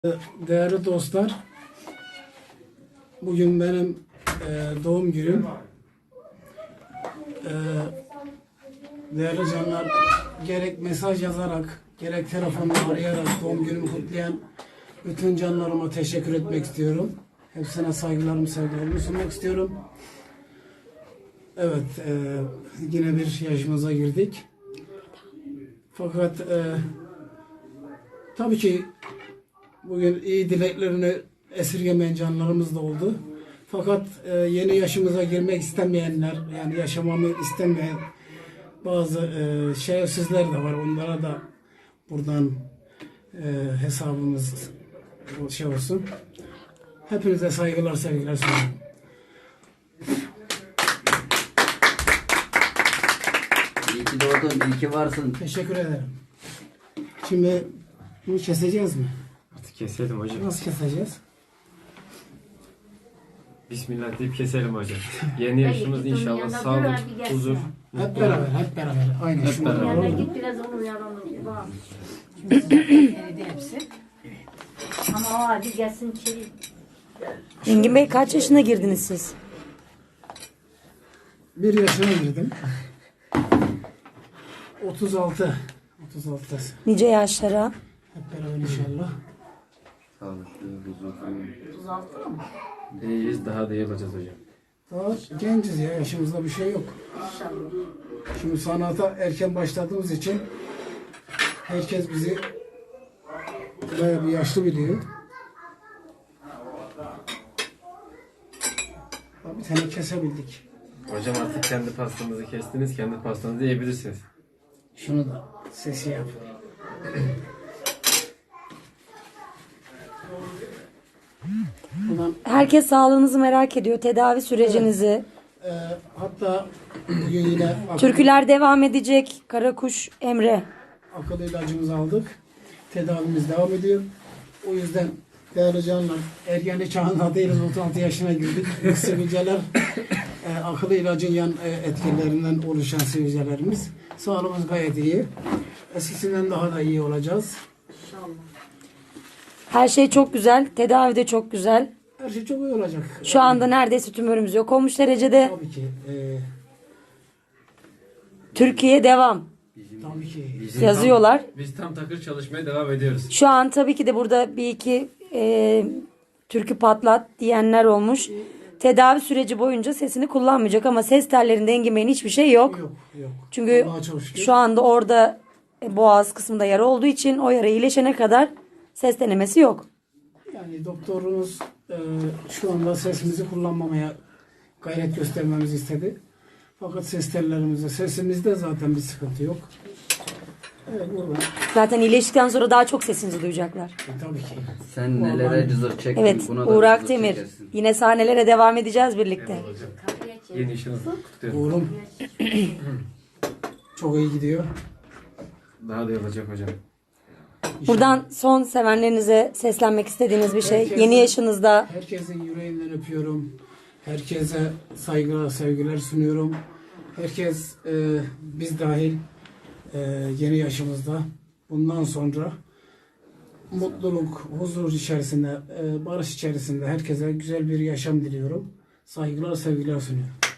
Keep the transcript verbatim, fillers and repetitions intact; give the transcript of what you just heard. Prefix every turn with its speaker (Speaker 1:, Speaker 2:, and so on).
Speaker 1: Değerli dostlar, bugün benim e, doğum günüm. E, değerli canlar, gerek mesaj yazarak, gerek telefonla arayarak doğum günümü kutlayan bütün canlarıma teşekkür etmek istiyorum. Hepsine saygılarımı, sevgilerimi sunmak istiyorum. Evet, e, yine bir yaşımıza girdik. Fakat e, tabii ki bugün iyi dileklerini esirgemeyen canlarımız da oldu. Fakat e, yeni yaşımıza girmek istemeyenler, yani yaşamamı istemeyen bazı e, şerefsizler de var. Onlara da buradan e, hesabımız şey olsun. Hepinize saygılar, sevgiler sunuyorum.
Speaker 2: İyi ki doğdun, iyi ki varsın.
Speaker 1: Teşekkür ederim. Şimdi bunu keseceğiz mi?
Speaker 3: Artık keselim hocam.
Speaker 1: Nasıl keseceğiz?
Speaker 3: Bismillah deyip keselim hocam. Yeni yaşımız inşallah sağlık, huzur.
Speaker 1: Hep beraber, hep beraber. Aynen.
Speaker 3: Hep
Speaker 1: Şunu
Speaker 3: beraber.
Speaker 1: alalım.
Speaker 4: Yanına git biraz onu yalanım. Bak.
Speaker 5: Eridi hepsi.
Speaker 4: Ama o hadi gelsin içeri.
Speaker 6: Engin Bey kaç yaşına girdiniz siz?
Speaker 1: Bir yaşına girdim. otuz altı. otuz altı.
Speaker 6: Nice yaşlara?
Speaker 1: Hep beraber inşallah.
Speaker 2: Sağlıklı, huzurlu.
Speaker 4: Tuz altı mı?
Speaker 3: İyiyiz, daha da iyi olacağız hocam.
Speaker 1: Daha genciz ya, yaşımızda bir şey yok.
Speaker 4: İnşallah.
Speaker 1: Şimdi sanata erken başladığımız için herkes bizi bayağı bir yaşlı biliyor. Bir tane kesebildik.
Speaker 3: Hocam artık kendi pastamızı kestiniz, kendi pastanızı yiyebilirsiniz.
Speaker 1: Şunu da sesi yap. Ulan,
Speaker 6: Herkes sağlığınızı merak ediyor, tedavi sürecinizi.
Speaker 1: e, hatta bugün yine akıl,
Speaker 6: Türküler devam edecek. Karakuş Emre.
Speaker 1: akıl ilacımızı aldık. Tedavimiz devam ediyor. O yüzden değerli canlar, ergenlik çağında değiliz, otuz altı yaşına girdik. Bu sivilceler e, akıl ilacın yan e, etkilerinden oluşan sivilcelerimiz. Sağlığımız gayet iyi. Eskisinden daha da iyi olacağız.
Speaker 6: Her şey çok güzel. Tedavi de çok güzel.
Speaker 1: Her şey çok iyi olacak.
Speaker 6: Şu anda neredeyse tümörümüz yok olmuş derecede.
Speaker 1: Tabii ki. E,
Speaker 6: Türkiye devam.
Speaker 1: tabii ki.
Speaker 6: Yazıyorlar.
Speaker 3: Biz tam takır çalışmaya devam ediyoruz.
Speaker 6: Şu an tabii ki de burada bir iki e, türkü patlat diyenler olmuş. Tedavi süreci boyunca sesini kullanmayacak ama ses tellerinde Engin Bey'in hiçbir şey yok.
Speaker 1: Yok, yok.
Speaker 6: Çünkü
Speaker 1: Allah'a çok şükür.
Speaker 6: şu anda orada e, boğaz kısmında yara olduğu için o yara iyileşene kadar ses denemesi yok.
Speaker 1: Yani doktorumuz e, şu anda sesimizi kullanmamaya gayret göstermemizi istedi. Fakat ses tellerimizde, sesimizde zaten bir sıkıntı yok. Evet, burada.
Speaker 6: Zaten iyileştikten sonra daha çok sesinizi duyacaklar.
Speaker 1: E, tabii ki.
Speaker 2: Sen nelere cızır çektin,
Speaker 6: Evet,
Speaker 2: buna da
Speaker 6: Uğur
Speaker 2: cızır
Speaker 6: Akdemir.
Speaker 2: çekersin.
Speaker 6: Yine sahnelere devam edeceğiz birlikte.
Speaker 3: Eyvallah hocam. Yeni işinizi kutluyorum.
Speaker 1: Oğlum çok iyi gidiyor.
Speaker 3: Daha da iyi olacak hocam.
Speaker 6: Buradan son sevenlerinize seslenmek istediğiniz bir şey.
Speaker 1: Herkese-
Speaker 6: Yeni yaşınızda
Speaker 1: Herkesin yüreğinden öpüyorum. Herkese saygılar, sevgiler sunuyorum. Herkes e, biz dahil e, yeni yaşımızda bundan sonra mutluluk, huzur içerisinde, e, barış içerisinde herkese güzel bir yaşam diliyorum. Saygılar, sevgiler sunuyorum.